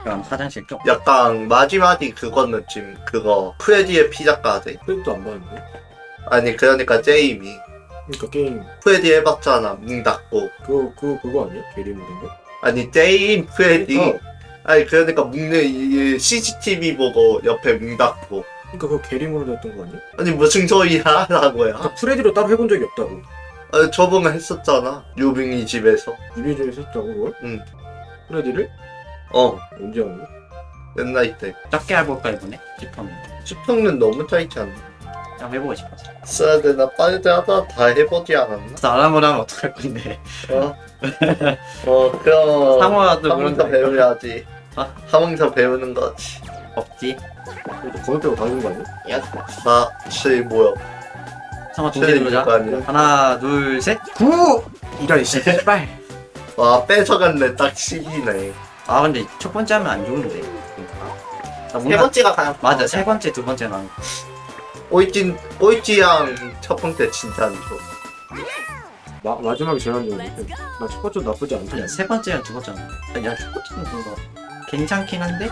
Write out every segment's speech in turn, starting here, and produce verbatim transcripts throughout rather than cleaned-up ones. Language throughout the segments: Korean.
그럼 화장실 쪽. 약간 마지막이 그거 느낌. 그거 프레디의 피자까지. 프레디도 안 봤는데. 아니 그러니까 제이미 그러니까 게임 프레디 해봤잖아. 문 닫고. 그거 그거 그거 아니야? 게리 모드인 거? 아니 제임 프레디. 어. 아니 그러니까 문에 이 씨씨티비 보고 옆에 문 닫고. 그러니까 그거 게리 모드 했던 거 아니야? 아니 무슨 소리야 라고요. 아, 프레디로 따로 해본 적이 없다고. 아, 저번에 했었잖아. 유빙이 집에서. 유비즈에 했었다고 그걸? 응. 프레디를? 어 언제 한 거? 옛날 때. 작게 해볼까 이번에? 싶었는데. 수평은 너무 짧지 않나? 그냥 해보고 싶어서. 써야 되나? 빨리 하다 다 해보지 않았나? 그래서 안 하면 하면 어떡할 건데. 어? 어 그럼 상호야도 그런 하면서 거 배워야지. 어? 하면서 배우는 거지. 없지. 그래도 거기 빼고 다 하는 거 아니야? 야, 사, 칠 모여. 상호 동시에 누르자. 거 아니야? 하나, 둘, 셋. 구! 이런 씨발. 와 뺏어갔네. 딱 십이네. 아 근데 첫 번째 하면 안 좋은데. 나 세 뭔가- 번째가 가장 맞아. 세 번째, 두 번째 난. 꼴찌 꼴찌양 첫 번째 진짜 안 좋아. 마, 마지막에 제일 안 좋은데. 나 첫 번째 나쁘지 않던데. 아니야, 세 번째랑 두 번째는. 야, 첫 번째는 뭔가 괜찮긴 한데.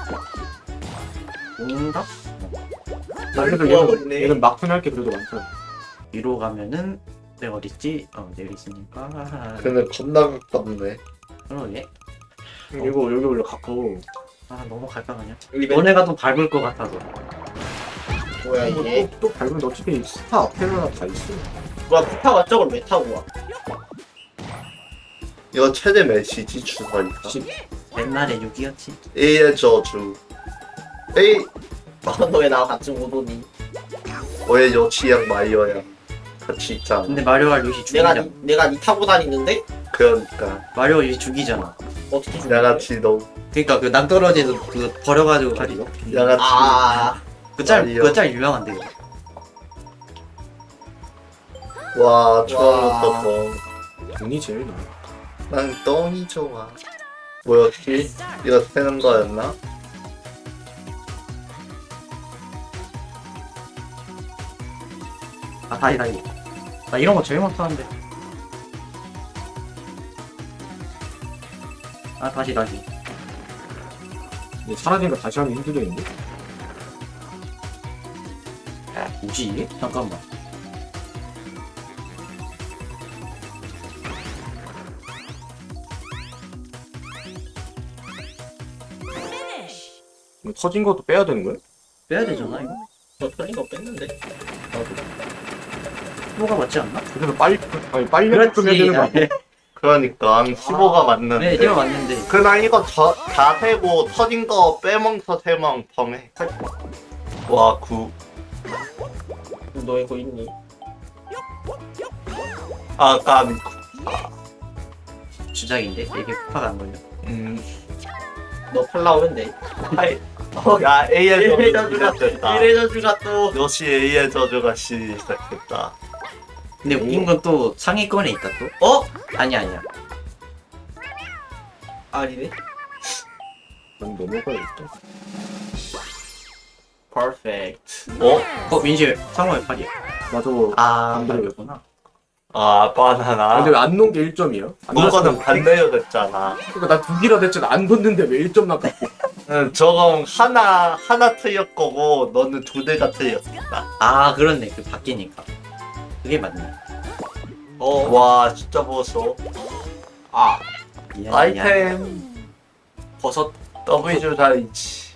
뭔가 나 그래도 좋아하고 얘는, 있네. 얘는 막판 할 게 그래도 많다. 위로 가면은 내가 어딨지? 어, 내리 있으니까. 근데 겁나 가깝네. 그러게. 이거 여기 원래 가까워. 아 너무 갈까가냐? 리벤 너네가 더 밟을 것 같아서. 뭐야 이거 이게 또, 또 밟으면 어차피 스타 앞에나 다 있어. 뭐야 부타가 저걸 왜 타고 와? 이거 최대 메시지 주사니까. 씨, 옛날에 육이었지. A의 저주. A 너 왜 나와 같이 못 오니? 왜 여치양 마이어야 같이 있잖아. 근데 마리오가 요시 내가 죽이잖아. 니, 내가 니 타고 다니는데 그러니까 마리오 요시 죽이잖아. 어떻게 죽여? 양아치 너 그니까 그 낭떠러지에서 그 버려가지고 가지고. 양아치. 아 그짤 마리오. 그 짤 유명한데. 그거. 와 좋아졌다 너. 돈이 제일 나아. 난 똥이 좋아. 뭐였지? 이거 세는 거였나? 아 다시 다시. 나 이런 거 제일 못하는데. 아 다시 다시. 근데 사라진 거 다시 하면 힘들겠는데? 뭐지 이게? 잠깐만. 이거 터진 것도 빼야 되는 거야? 빼야 되잖아 이거. 저 털린 거 뺐는데 뭐가 맞지 않나? 그래서 빨리 아니 빨리 좀 해야 되는 거 아니야? 그러니까 십오가 맞는데. 네 이거 맞는데. 그냥 이거 저, 다 세고 터진 거 빼먹어서 세면 펑해. 와 구. 너 이거 있니? 아 까비. 주작인데 이게 폭파가 안 걸려. 음. 너 팔라오면 돼. 하이. 야 A의 이래 저주 저주가 시작됐다. 이래 저주가 또 역시 A의 저주가 시작됐다. 근데 웃긴 건 또 상위권에 있다 또. 어? 아니야 아니야. 아니네. 난 넘어가야겠다. 퍼펙트. 어? 어 민실 상호의 팔이야. 나 저거 아 안 들어요. 그랬구나. 아 바나나. 근데 왜 안 놓은 게 일 점이야? 안 그거는 넣었으면- 반대로 됐잖아. 그러니까 나 두 개라 됐지 안 뒀는데 왜 일 점 나가? 응, 저건 하나 하나 틀렸 거고 너는 두 대가 틀렸다. 아 그렇네 그 바뀌니까. 그게 맞네. 어. 와 진짜 보소. 아 미안, 미안. 아이템 버섯. W 주사위치.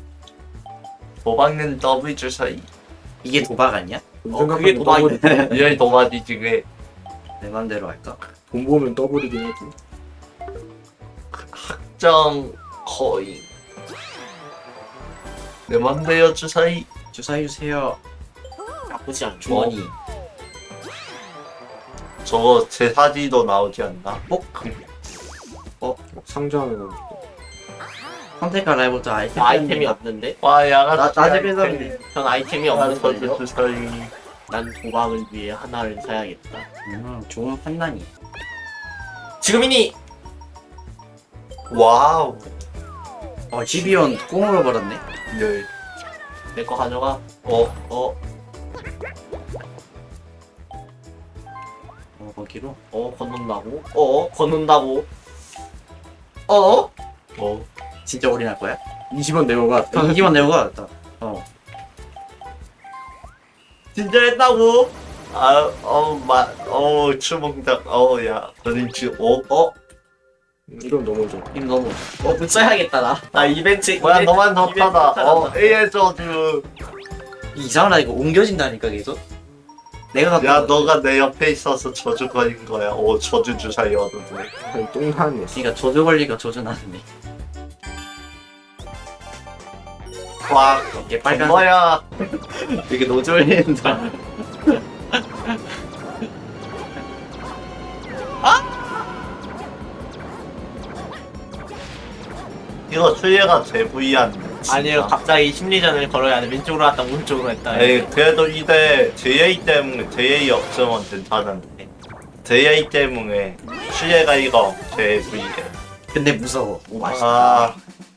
도박은 W 주사위. 이게 도박 아니야? 어, 그게 도박이네. 더블이- 이게 도박이지 그게. 내 맘대로 할까? 돈 보면 더블이긴 하지. 정 거인. 내 맘대로 주사위. 주사해 주세요. 나쁘지 않죠. 주머니. 저거 제 사지도 나오지 않나? 어? 상자는 선택과 라이브도 아이템. 나 아이템이 없는데? 와 양아치. 나- 나 집에서 아이템. 전 아이템이 아, 없는 저기 걸요. 주사위. 난 도박을 위해 하나를 사야겠다. 음 좋은 판단이. 지금이니. 와우. 어 지비온 꽁으로 벌었네. 네. 내 거 가져가. 어. 어. 어 거기로. 어 건넌다고. 어 건넌다고. 어. 어. 진짜 올인할 거야? 이십 원 내고 가. 이기만 내고 가. 나. 어. 진짜 했다고? 아, 어, 마, 어, 추몽작, 어, 야, 너는 지금, 어, 어? 이건 너무 좀. 임 너무. 어, 문 써야겠다, 나. 나 이벤트. 뭐야, 이벤트- 너만 이벤트 덥하다. 찾았다. 어, 에이에 저주. 이상하다 이거 옮겨진다니까 계속. 내가 갖고 야, 있는 거. 너가 내 옆에 있어서 저주 걸린 거야. 오, 저주 주사 열어두네. 아니, 똥 나왔네. 그러니까 저주 걸리가 저주 나는데. 와, 이게 빨간. 뭐야. 이게 노졸린다. 이거 수혜가 제부이한. 아니요, 갑자기 심리전을 걸어야 돼. 왼쪽으로 갔다 오른쪽으로 했다. 에이, 그래도 이대 제이에이 때문에, 제이에이 없으면 괜찮은데. 제이에이 때문에 수혜가 이거 제부이해. 근데 무서워. 오 맛있다. 아,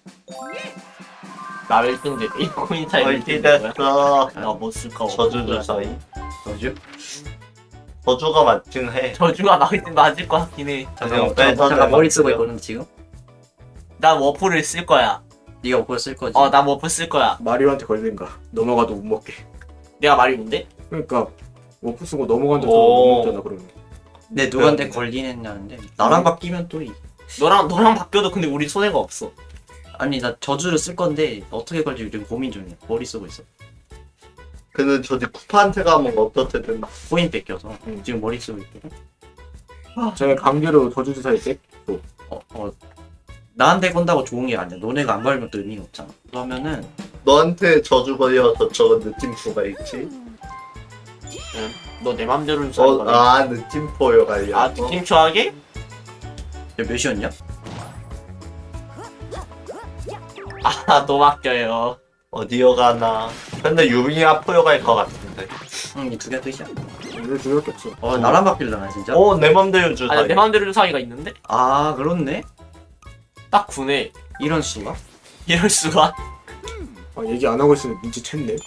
나 일 등 돼. 이 코인 차이 얼티 됐어. 나못 쓸까? 저주 주사위. 저주? 저주가 맞긴 해. 저주가 맞, 맞을 것 같긴 해. 잠깐만, 빼서 잠깐, 잠깐 머리 쓰고 내가 있거든 지금. 난 워프를 쓸 거야. 네가 오퍼 쓸 거지. 어, 난 워프 쓸 거야. 마리오한테 걸린가. 넘어가도 못 먹게. 내가 말이 뭔데? 그러니까 워프 쓰고 넘어간다고 오. 못 먹잖아 그러면. 근데 누구한테 걸리느냐는데 나랑 바뀌면 또 이. 너랑 너랑 바뀌어도 근데 우리 손해가 없어. 아니 나 저주를 쓸 건데 어떻게 걸지 지금 고민 중이야. 머리 쓰고 있어. 근데 저기 쿠파한테 가면 어떻게 된다? 코인 뺏겨서 음. 지금 머리 쓰고 있거든. 제가 강제로 저주주사에 백. 어, 어. 나한테 건다고 좋은 게 아니야. 너네가 안 걸면 또 의미가 없잖아. 그러면은 너한테 저주 걸려서 저거 느낌표가 있지? 너 내 맘대로 좀 어, 살거든. 아, 느낌표가 걸려. 아, 느낌초하게? 야, 몇이었냐? 아, 너 맡겨요. 어디요 가나? 근데 유빈이 앞으로 갈 것 같은데. 응, 이 두 개 끝이야. 이럴 중요할 게 없어. 어, 나랑 바뀔라나 진짜? 어, 내 맘대로 주사. 아니, 내 맘대로 주사위가 있는데? 아, 그렇네. 딱 구네. 이런 수가? 이럴 수가? 아, 얘기 안 하고 있으면 눈치챘네.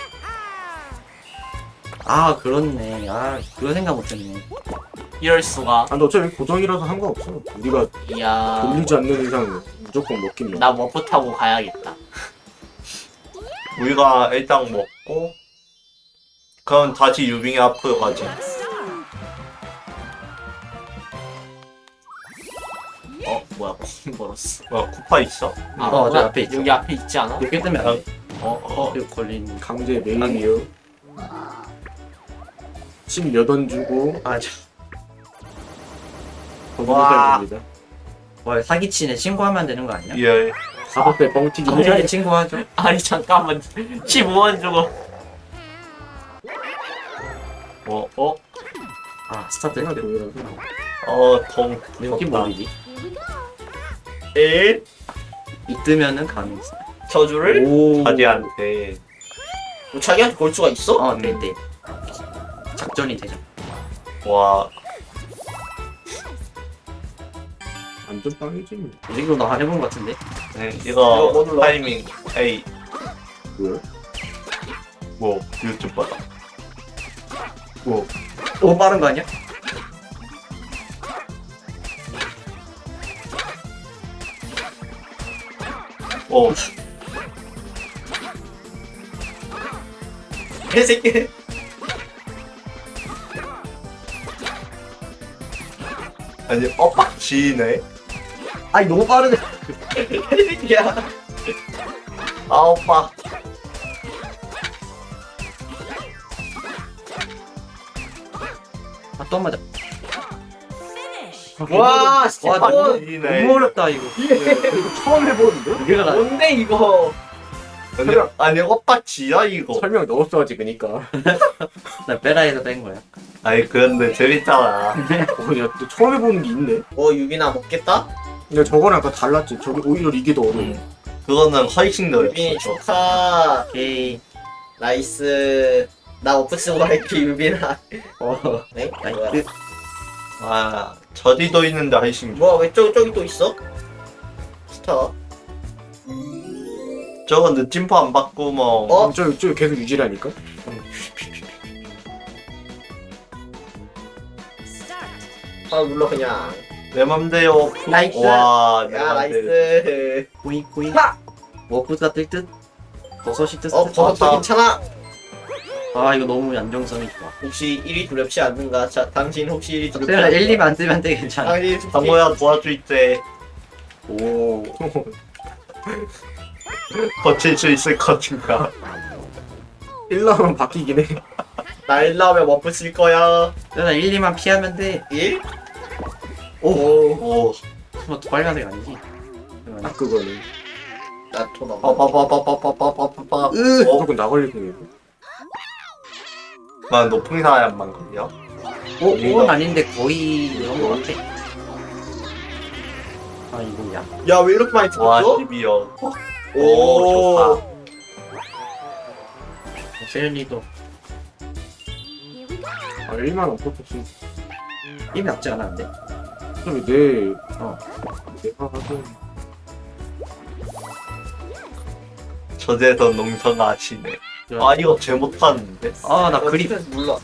아, 그렇네. 아, 그거 생각 못했네. 이럴 수가? 아, 근데 어차피 고정이라서 상관없어. 우리가 이야. 돌리지 않는 이상 무조건 먹긴 먹. 나 워프 타고 가야겠다. 우리가 일단 먹고, 그럼 다시 유빈이 앞으로 가지. 어, 뭐야, 코인 벌었어. 뭐 쿠파 있어? 아, 어, 저 나- 앞에 있죠. 여기 앞에 있지 않아? 이렇게 뜨면 안 돼. 어, 어. 이거 걸린. 강제 메인이요. 십몇 원 주고 아, 저. 와. 거기서 와, 사기치네. 신고하면 되는 거 아니야? 예. 사법 배 뻥튀기. 경찰에 신고하죠. 아니, 잠깐만. 십오 원 주고. 뭐, 어? 아, 스타트. 내가 돈이라서. 어, 동. 이게 뭐이지? 일? 이 뜨면은 가능했어. 저주를? 오. 자기한테. 뭐 자기한테 걸 수가 있어? 어, 네, 네. 작전이 되죠. 와, 완전 빵이지. 뭐. 이 정도 나 해본 것 같은데? 네, 이거 이거 뭐 눌러? 타이밍. 에이, 뭐야? 뭐, 유튜브 봐라. 뭐, 오, 빠른 거 아니야? 어, 개새끼. 아니, 엇박 지네. 아니, 너무 빠르네. 개새끼야. 아, 오빠. 아, 또 한 맞아. 와, 진짜. 와, 와, 너무, 지네. 너무 어렵다, 이거. 이거 처음 해보는데? 이거 나. 뭔데, 이거? 아니, 아니, 엇박 지야, 이거. 설명 넣었어야지 그니까. 나 베라에서 뺀 거야. 아니, 그런데 재밌잖아. 어, 야, 또 처음 해보는 게 있네. 어, 유빈아, 먹겠다? 근데 저거랑 아까 달랐지. 저기 오히려 이게 더 어려워. 그거는 훨씬 더 유빈이 어렵어. 축하. 오케이. 나이스. 나 오프 쓰고 갈게, 유빈아. 어, 네? 뭐야? 나이스. 아, 저디도 있는데 훨씬 좋아. 뭐야, 왜 저기, 저기 또 있어? 스타. 저거 느낌표 안 바꾸면. 어? 저기, 저기 계속 유지라니까? 아, 눌러, 그냥. 내 맘대로. 나이스. 와, 내 야 맘대로. 나이스. 꼬잉 꼬잉. 하! 워프가 뜰 듯. 버섯이 뜰 듯. 어 버섯도 아, 괜찮아. 아 이거 너무 안정성이 좋아. 혹시 일 위 두렵지 않는가? 자 당신 혹시 일 위 두렵지 그래 않는가? 일, 이만 안 뜨면 돼 괜찮아. 당신 혹시 상호야 도와줄게. 오. 버틸 수 있을 것인가? 일 라운드 바뀌긴 해. 날 나오면 워프 쓸 거야. 내가 일, 이만 피하면 돼. 일? 오. 오. 뭐 빨간색 아니지? 딱 그거는. 나토 넘어. 빠빠빠빠빠빠빠빠빠. 으. 어? 무조건 나 걸릴 테니까. 만 높은 사람만 걸려? 오, 그건 아닌데 거의 이런 거 같아. 아 이거야. 야 왜 이렇게 많이 와, 찍었어? 십이요. 오. 오, 좋다. 세연이도 아 일만 원 퍼포스. 힘이 낫지 않았는데. 그럼 내 어. 내가 하던 저제서 농성하시네. 아, 이거 제 못하는데? 아나 어, 그림. 디펜스 몰라.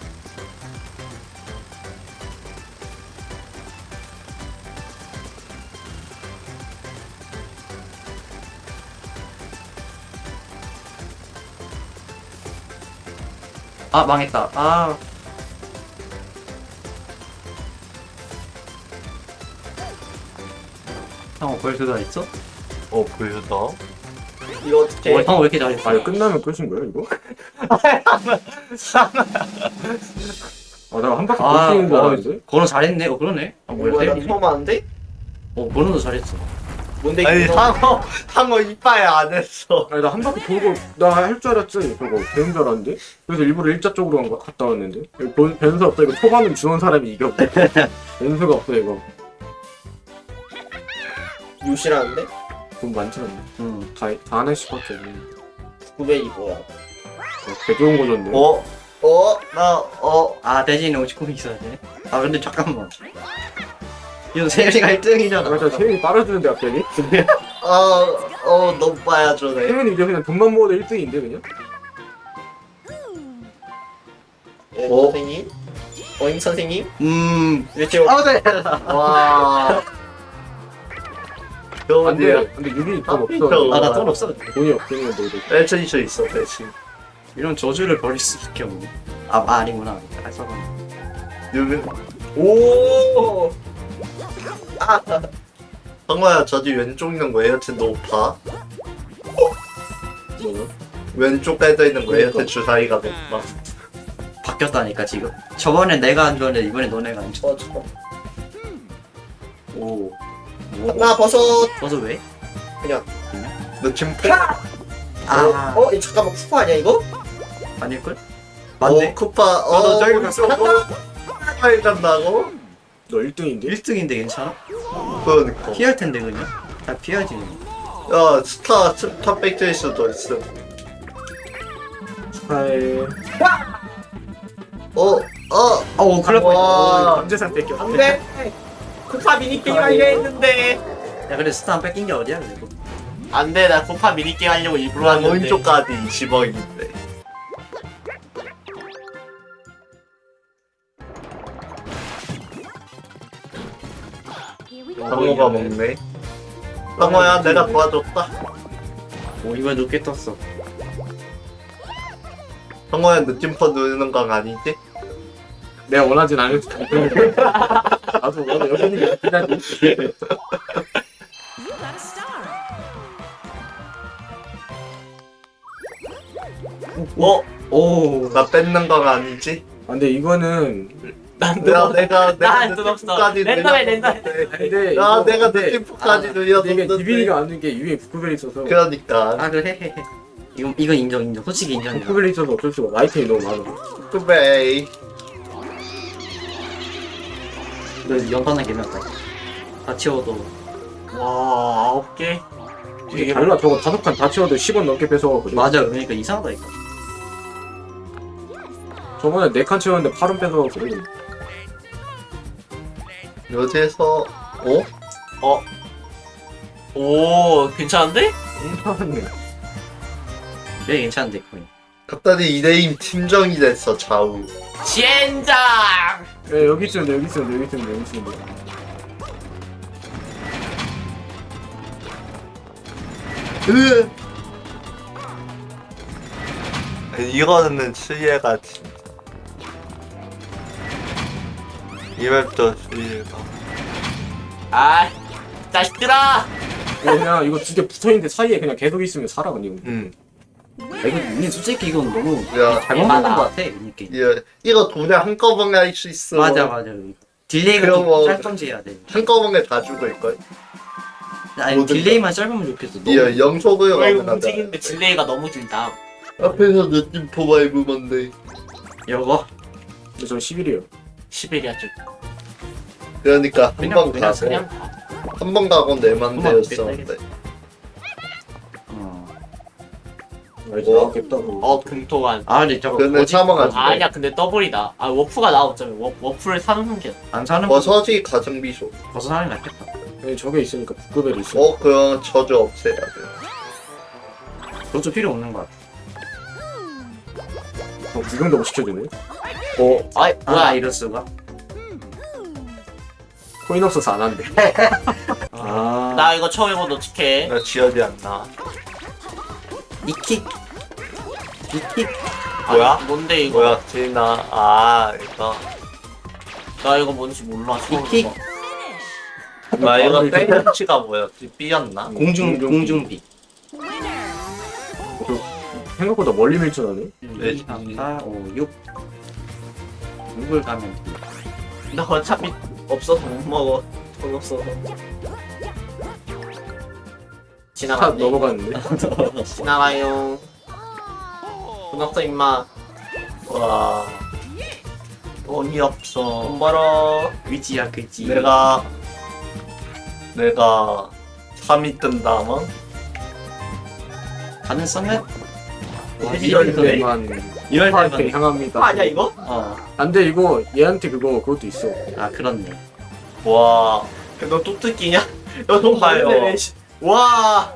아 망했다. 아. 형 벌써 다 있어? 어, 보여다. 이거 어떻게? 어, 형왜 이렇게 잘했어? 아 이거 끝나면 끝인 거야 이거? 아 내가 한 바퀴 아, 돌리는 줄 어, 알았는데? 건우 잘했네. 어 그러네. 아 뭐야 뭐야 나 세연이? 처음 하는데? 어 건우도 잘했어. 뭔데 아니, 이거? 상어, 상어 이빨 안 했어. 아니 나 한 바퀴 돌고 나 할 줄 알았지 저거 되는 줄 알았는데? 그래서 일부러 일자 쪽으로 간 거 갔다 왔는데 이거 본- 변수 없어 이거 초반은 주는 사람이 이겨 변수가 없어 이거 유시라는데? 돈 많지 않네 응. 다, 다 하나씩밖에 없네 구백이 뭐야? 개 좋은 거던데 어? 어? 나, 어. 아 대신에 오십코인 있어야 돼. 아 근데 잠깐만. 이거 세연이가 일 등이잖아. 아 진짜 세윤이 빨아주는데 갑자기? 어, 어, 너무 빠야줘네. 세윤이 이제 그냥 돈만 모아도 일 등인데 그냥? 예, 어? 선생님? 어임 선생님? 음. 이렇게 아 네. 와. 겨우인데요? 안돼 근데 유빈이 돈 아, 없어 아나 돈 없어. 돈이 없으면 너도 배치 있어, 있어, 배치. 이런 저주를 버릴 수밖에 없네. 아, 아 아니구나. 아 써봤네. 유빈. 오. 아, 상어야, 저기 왼쪽 있는 거 에어컨 높아? 뭐야? 왼쪽 에도 있는 거 그러니까. 에어컨 주사위가 높아? 바뀌었다니까 지금. 저번엔 내가 안 좋았는데 이번엔 너네가 안 좋아. 어, 잠깐. 오. 오. 나 버섯. 버섯 왜? 너 지금 아. 어, 이 잠깐만 쿠파 아니야 이거? 아닐걸? 맞네. 맞네. 쿠파, 어, 나도 저기 왼쪽 거 빨리 간다고? 너 일 등인데? 일 등인데 괜찮아? 그러니까. 피할 텐데 그냥. 다 피하지. 야, 스타, 스타 백트일 수도 있어. 축하해 어, 어, 어, 큰일 날 와. 뻔했다. 감재산 뺏겨 안돼. 쿠파 미니게임 하려 했는데. 야, 근데 스타 안 뺏긴 게 어디야, 그리고. 안돼, 나 쿠파 미니게임 하려고 일부러 그럼 왔는데. 오른쪽까지 이십억인데. 상어가 먹네. 상어야, 내가 도와줬다. 오, 이번에 높게 떴어. 상어야, 느낌퍼 누르는 건 아니지? 내가 원하진 않을 수도 있고 나도 원하 여기 있는 게 낫긴 하지 You got a star. 어? 오. 나 뺏는 건 아니지? 아, 근데 이거는 난 내가, 내가, 내가 나돈 없어. 느낌표까지 랜덤해, 눌렸는데. 근데 야, 이거- 내가 근데 느낌표까지 아, 근데 이게 눌렸는데. 니빈이가 아는 게 유에 부크벨이 있어서 그러니까. 아, 그래, 헤헤. 이건, 이건 인정, 인정. 솔직히 인정이야. 부크벨이 있어서 어쩔 수가 없어. 아이템이 너무 많아 쿠베이. 너 연판은 개명다. 다 치워도. 와, 아홉 개. 이게 달라 저거 다섯 칸 다 치워도 십 원 넘게 뺏어가거든 맞아, 그러니까 이상하다니까. 저번에 네 칸 치웠는데 팔 원 뺏어가거든 여기에서, 어? 어? 오, 괜찮은데? 괜찮네 왜 괜찮은데, 거의. 갑자기 이대임 팀정이 됐어, 좌우. 젠장. 예, 여기 있으면 돼 여기 있으면 돼 여기 있으면 돼 여기 있으면 돼 으. 이거는 수혜가 진짜. 이 맵도 수혜가. 아 자식들아. 그냥 이거 두 개 붙어있는데 사이에 그냥 계속 있으면 살아 근데 이거. 응. 아, 이거 니 솔직히 이건 너무 야, 잘못 만든 것 같아 이 게임. 이 이거 돈에 한꺼번에 할 수 있어. 맞아 맞아. 딜레이가 그럼 뭐- 좀 짧던지해야 돼. 한꺼번에 다 죽을 걸. 아니 모든 딜레이만 짧으면 좋겠어. 너무 이 영속을 어, 이거 가면 움직이는데 딜레이가 너무 길다. 앞에서 느낌표 밟으면 돼. 이거 근데 저 십일이에요. 시베리아 쪽. 그러니까 한 그냥- 번 그냥- 가고 그냥 한 번 가고 내 맘대였었는데. 어. 아, 이제 어? 나왔겠다고. 어 금토관. 아 근데 저거 근데 뭐지? 사망하지. 아, 아니야 근데 더블이다. 아 워프가 나왔잖아. 워, 워프를 사는 게. 안 사는 거 버섯이 가성비소. 벌써 사는 게 낫겠다. 아니, 저게 있으니까 북급엘이 있어. 어, 그럼 저주 없애야 돼. 그것도 필요 없는 거 같아. 어, 구경도 못 시켜주네. 어, 아이 아 뭐야? 이럴 수가? 코인 없어서 안 한대. 아, 나 이거 처음 해본 어떡해? 나 지어지 않나. 이킥 이킥 아니, 뭐야? 뭔데 이거? 뭐야, 지나. 아, 이거. 나 이거 뭔지 몰라. 처음 이킥. 해봐. 나 이거 페인치가 뭐였지? B였나? 공중 공중비. 생각보다 멀리 밀쳐나네. 네. 이, 삼, 사, 오, 육. 육을 가면 나 어차피 없어서 못 먹어. 돈 없어서. 차 지나가네. 넘어갔는데. 지나가요. 돈 없어 임마. 와. 돈이 없어. 돈 벌어. 위지야 그지. 내가, 내가 삼 위 뜬다면? 가능성은 이럴 때만 이럴 파한테 때만. 향합니다. 아니야 이거? 어. 안돼 이거 얘한테 그거 그것도 있어. 아 그렇네. 와. 너 뚝뚝이냐? 너돈 봐요. 벌네. 씨. 와.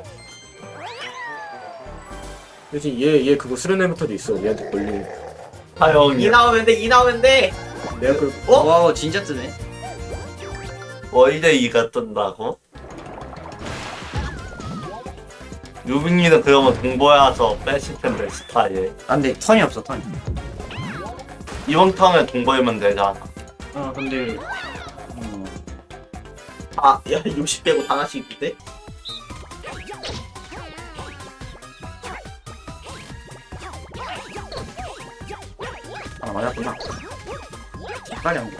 대신 얘 얘 그거 수련회부터도 있어. 얘한테 걸리는. 거. 이 하영이. 나오면 돼. 이 나오면 돼. 내가 그 어? 와 진짜 뜨네. 월대 이가 뜬다고? 유빈이는 그러면 동보여서 뺐을 텐데, 스타일. 아 근데 턴이 없어 턴이. 이번 턴에 동보이면 되잖아. 어 근데 어, 아, 야 육십 빼고 다 하나씩 있대? 아 맞았구나. 빨리 한 개.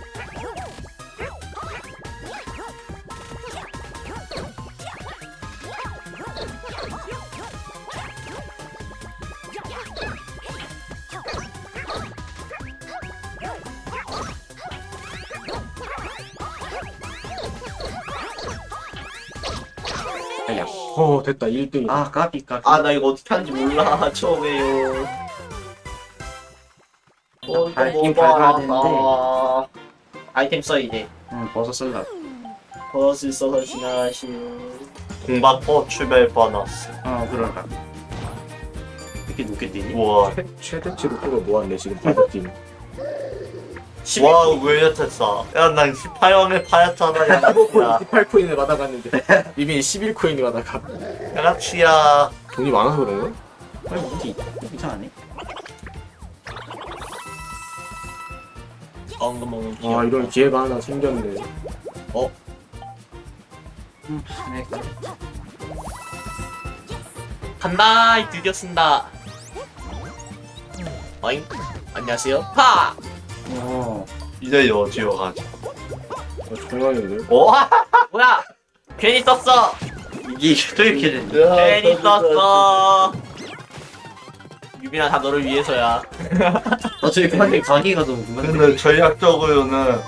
아야. 어 됐다 일 등. 아 까비 까비. 아, 나 이거 어떻게 하는지 몰라. 처음에요. 어, 밟긴 이거 밟아야 뭐야. 되는데. 아, 아이템 써 이제. 응 버섯 쓸라. 버스 써서 지나가시오. 공받고 출발 보너스. 어 그럴까. 이렇게 높게 뛰니? 우와. 최, 최대치로 그거 모았네 지금 파이팅 팀. 와, 왜 이렇게 싸? 야, 난 십팔 원에 파였잖아, 야. 야, 십팔 코인을 받아갔는데 이미 십일 코인을 받아가. 양아치야. 돈이 많아서 그런가? 아니 어디 이상하네. 엉금엉금 아 귀여워. 이런 기회가 하나 생겼네. 음, 네. 간다. 드디어 쓴다. 어잉? 안녕하세요. 파! 어. 이제 여지로 가자. 아, 정말인데. 어? 뭐야? 괜히 썼어. 이게 또 이렇게 됐네. 괜히 썼어. 유빈아 다 너를 위해서야. 어 저기 근데 가기가 너무 궁금한데. 근데 전략적으로는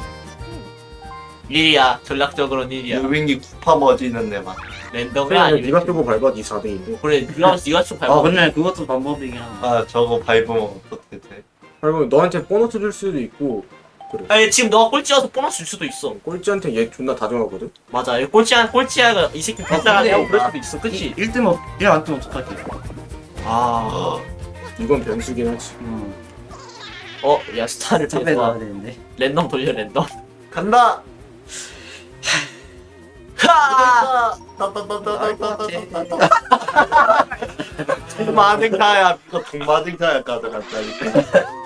일이야. 전략적으로는 일이야. 유빈이 쿠파 머지는 데만. 랜덤이 그냥 아니면. 네가 쓰고 밟아 네 사 등인데. 그래, 네가 네가 좀 밟아. 아 근데 그것도 방법이긴 한데. 아, 저거 밟으면 어떻게 돼? 그리고 너한테 보너스 줄 수도 있고 아니 지금 너가 꼴찌여서 보너스 줄 수도 있어. 꼴찌한테 얘 존나 다정하거든. 맞아. 꼴찌한 꼴찌야가 이 새끼 불쌍하냐고 그럴 수도 있어. 그치? 일 등 없, 일안 뜨면 어떡하지? 아. 이건 변수긴 하지. 음. 어, 야 스타를 탑에 빼서 나와야 되는데. 랜덤 돌려 랜덤. 간다. 하. 동마등타야 이거 동마등타야 가져갔다니까.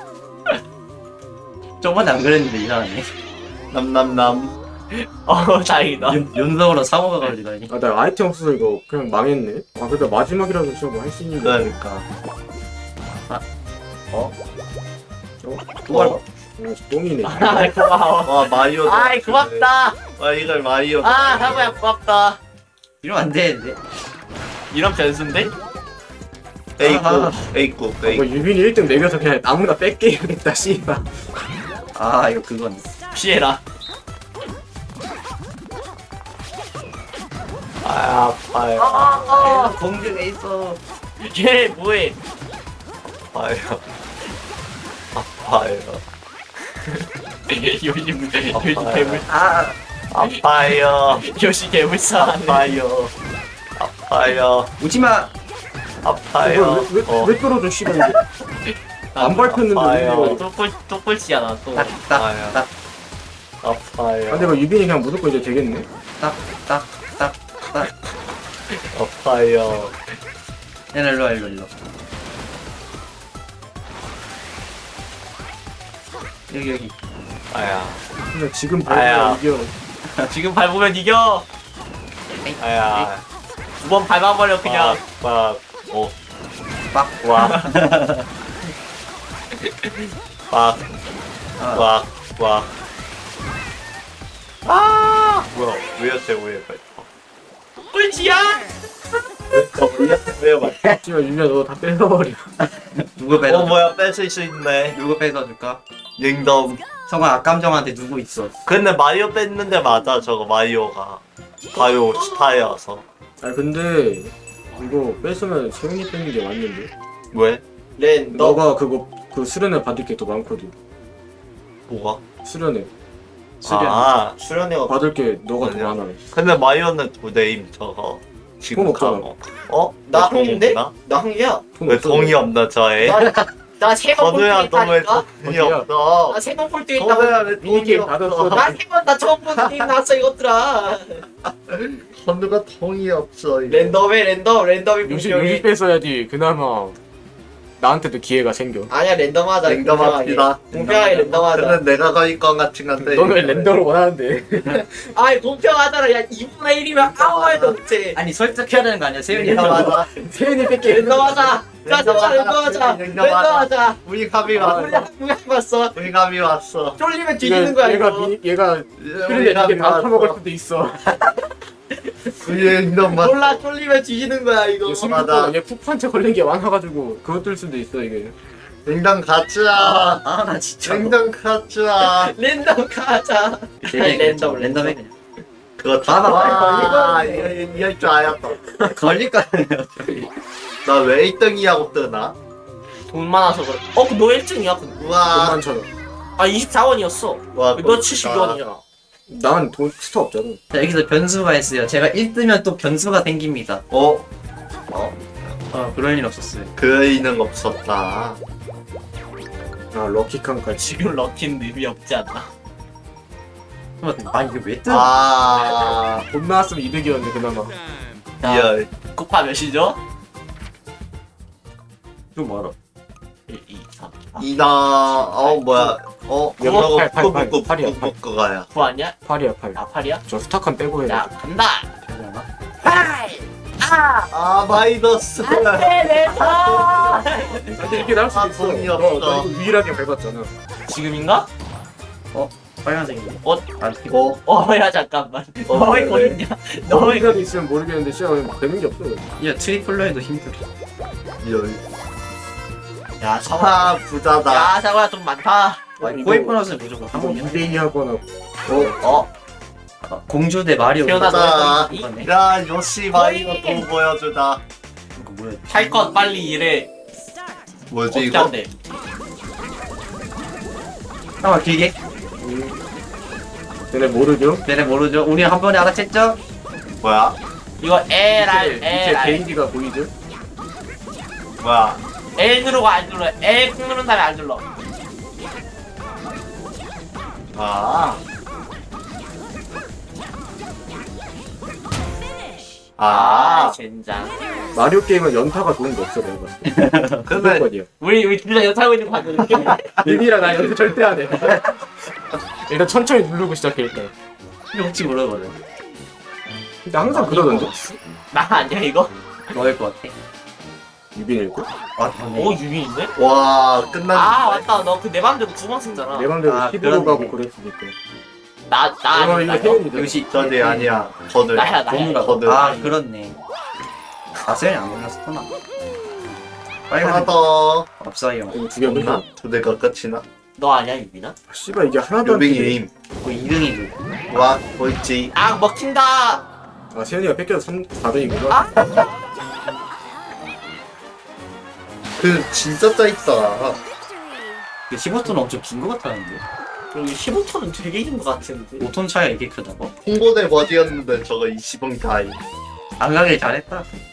저번에 안 그랬는데 이상하네. 남남남. 어 다행이다. 윤, 윤성으로 상호가 걸리다니. 아 나 아이템 없어서 이거 그냥 망했네. 아 그래도 마지막이라도 진짜 뭐 할 수 있는 거. 그러니까. 어? 또 어? 어, 똥이네. 아 고마워. 와 마리오. 아이 고맙다. 와 이걸 마리오. 아 사고야 고맙다. 이러면 안 되는데. 이런 변수인데? 에이쿠 에이쿠 뭐 에이쿠. 유빈이 일 등 매겨서 그냥 아무나 뺏게 해야겠다 씨발. 아 이거 그건. 피해라. 아 아파요. 아, 공중에 있어. 얘 뭐해? 아파요. 아파요. 요즘 요즘 괴물 아 아파요. 요시 괴물사하네. 아파요. 아파요. 오지마. 아파요. 왜, 왜, 어. 왜 떨어져 씨발 이게. 안 밟혔는데 왜 아파요. 이거. 또꼴 또꼴찌잖아 또. 딱딱딱 아파요. 아 근데 이거 유빈이 그냥 무조건 이제 되겠네. 딱딱딱. 아파요. 얘네 일로와 일로 일로. 여기 여기. 아야. 근데 지금 아야. 밟으면 이겨. 지금 밟으면 이겨. 아야. 두 번 밟아버려 그냥. 빡. 오. 빡. 와. 빡. 아, 와. 와. 아! 뭐야? 왜였대? 왜? 꼴찌야? 왜요? 말? 씨발 유빈아 너 다 뺏어버려. 누구 뺏어? 어 뭐야? 뺏을 수 있네. 누구 뺏어줄까? 링덤. 성아 악감정한테 누구 있어? 근데 마리오 뺐는데 맞아. 저거 마리오가 가요 스타여서. 아 근데 이거 뺏으면 세훈이 뺏는 게 맞는데. 왜? 렌 너. 너가 그거 그 수련회 받을 게 더 많거든. 뭐가? 수련회 수련. 아. 수련회가 받을 게 너가 더 아니야. 많아. 근데 마리오는 두 대임 저거. 지금 돈 없잖아. 가고. 어? 나 왜 홍인데? 돈 없나? 나 흥이야. 돈 왜 없어. 동이 없나 저에? 나세번 건우야 꼴등했다니까. 너왜 돈이 어디야? 없어? 나세번 꼴등했다고. 건우야 왜 돈이 미니게임 받았어. 없어? 나세번나 처음 보는 게임 나왔어 이것들아. 건우가 돈이 없어. 이거. 랜덤에 랜덤 랜덤이 요시 분명히. 요시 뺏어야지 그나마 나한테도 기회가 생겨. 아니야 랜덤하자. 랜덤합시다. 공평하게 랜덤하자. 근데 내가 거일 것 같은 건데. 너는 왜 랜덤을 원하는데? 아이 공평하잖아. 야 이분의 일이면 아무 말도 못해. 아니 설득해야 되는 거 아니야? 세윤이 랜덤하자. 세훈이 뺏게. 랜덤하자. 자 진짜 랜덤하자. 랜덤하자. 우리 감이 우리 왔어. 한국에 봤어. 우리 감이 왔어. 쫄리면 뒤지는 거야 얘가 이거. 미, 얘가 우리 그런데 감이 이게 다 처먹을 왔어. 수도 있어. 우리 랜덤 맞. 몰라 쫄리면 뒤지는 거야 이거. 얘 숨겼다가 얘 푸판체 걸린 게 많아가지고 그거 뜰 수도 있어 이게. 랜덤 가자. 아 나 진짜. 랜덤 가자. 랜덤 가자. 아니, 랜덤 랜덤에 그냥. 그거 봐봐, 와, 이거 이할 줄 알았다. 걸릴 거 아니야. 나 왜 일 등이라고 뜨나? 돈 많아서 그래. 어, 너 일 등이야. 우와. 돈만 천 원. 아, 이십사 원이었어. 와, 너 칠십이 원이잖아. 난 돈 스타 없잖아. 자, 여기서 변수가 있어요. 제가 일 뜨면 또 변수가 생깁니다. 어? 어 그럴 일 없었어요. 그이는 없었다. 아 럭키 칸까지. 지금 럭키는 의미 없지 않나? 아 이게 왜 뜨? 아, 돈 나왔으면 이득이었는데 그나마. 자, 리얼. 곱하 몇이죠? 좀 멀어. 일, 이, 삼. 이나, 어, 뭐야. 어, 팔, 저거 팔, 팔, 팔. 꾸꾸꾸 팔이야, 팔. 꾸꾸꾸가야. 구 아니야? 팔이야 팔. 아, 팔이야? 저 스타칸 빼고 해야 야, 돼. 간다! 되려나? 팔! 아! 아, 마이너스. 안 돼, 내 손! 근데 이렇게 나올 수도 아, 있어. 돈이 너, 없어. 너 이거 유일하게 밟았잖아. 지금인가? 빨간색이네. 어? 아, 어, 어, 야, 잠깐만. 어, 너 왜 왜, 거기 왜? 있냐? 너 왜 거기 너희가 있으면 모르겠는데 진짜 되는 게 없어. 야 트리플로 해도 힘들어. 리얼. 야, 사과. 아, 부자다. 야, 사과야, 돈 많다. 이거 코인 보너스는 무조건 한 한번 번이야. 이 대 이 하거나. 어, 어? 아, 공주 대 마리오. 태어나- 자, 이거네. 야, 요시 마이너 또 보여주다. 이거 뭐야? 할 것 빨리 일해. Start. 뭐지, 어떻게 이거? 한대? 잠깐 길게. 얘네 모르죠? 얘네 모르죠? 우리 한 번에 알아챘죠? 뭐야? 이거 L, 밑에, R, 밑에 L, R. 게이지가 보이죠? 뭐야? L 누르고 안 눌러. L 꾹 누른 다음에 안 눌러. 아, Finish. 아, 젠장. 마리오 게임은 연타가 좋은 게 없어 내가 봤을 때. 근데 무조건이야. 우리 우리 둘 다 연타하고 있는 거 봤는데. 비비랑 나 연타 절대 안 해. 일단 천천히 누르고 시작해 일단. 혹시 모르거든. 근데 항상 그러던데. 나 아니야 이거? 너일 것 같아. 유빈일 거? 아, 오 유빈인데? 와 끝났네. 아 맞다. 너 그 내 맘대로 구멍 쓰잖아. 내 맘대로 아, 힙으로 그러네. 가고 그랬으니까. 나나 이거 아니다. 이거 혜연이다. 역시 저기 아니야. 거들. 나야 나야. 동물아. 거들. 아, 그렇네. 아, 세연이 안 골랐었구나. 하나 빨간 더. 앞사이요. 이거 두개 없나? 없나? 두 대가 끝이나? 너 아니야 유빈아? 씨발 이게 하나도 안 요빙 뜨네. 게임. 그 이 등이 누구? 와 보이지? 아 먹힌다. 아 세연이가 뺏겨서 삼, 사 등이구나. 아? 그 진짜 짜있다. 그 십오 톤은 엄청 긴 것 같았는데. 그리고 십오 톤은 되게 긴 것 같은데. 오 톤 차이가 이게 크다고? 홍보대 버디였는데 저거 이십 원 다이. 안 가길 잘했다.